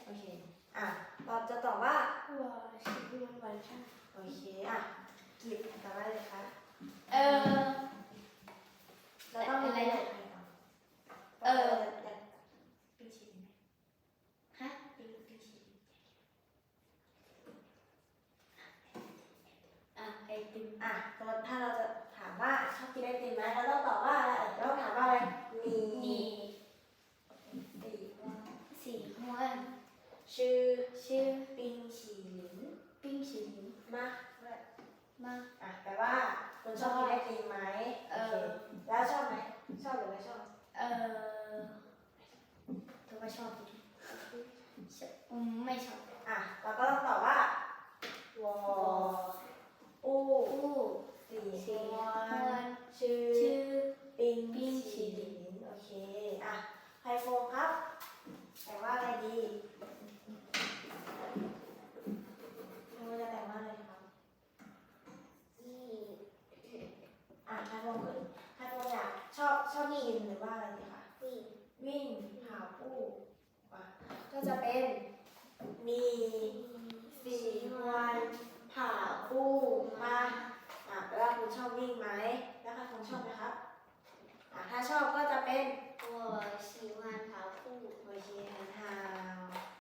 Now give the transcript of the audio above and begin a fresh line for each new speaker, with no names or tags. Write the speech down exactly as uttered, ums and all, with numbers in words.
โอเคอ่ะเราจะตอบว่า
我喜欢晚上。
โอเคอ่ะกิบตอบว่าเลยคะ
เออ
เราต้องมีอะไรอยากให้ก่อน
เออ
อยากปิ้งชีสไหม
ฮะ
ปิ้งปิ้งชีส
อ่ะไอติม
อ่ะสมมติถ้าเราจะถามว่าชอบกินไอติมไหมเราต้องตอบว่าอะไรเราต้องถามว่าอะไรมี
你
สีว่า
喜欢
ชื่อ
吃
ปิ้งชีลิน
冰淇淋
มาด้วย
吗？
อ่ะแปลว่าคุณชอบกินไอติมไหม
เอ
โอ
อ
เคแล้วชอบไหมชอบหรือไม่ชอบ
เออถือว่าชอบดีอืมไม่ชอบ
อ่ะเราก็ต้องตอบว่าวอ
我
อู้
不
สี
喜
ฮวน
欢
ชื่อ
吃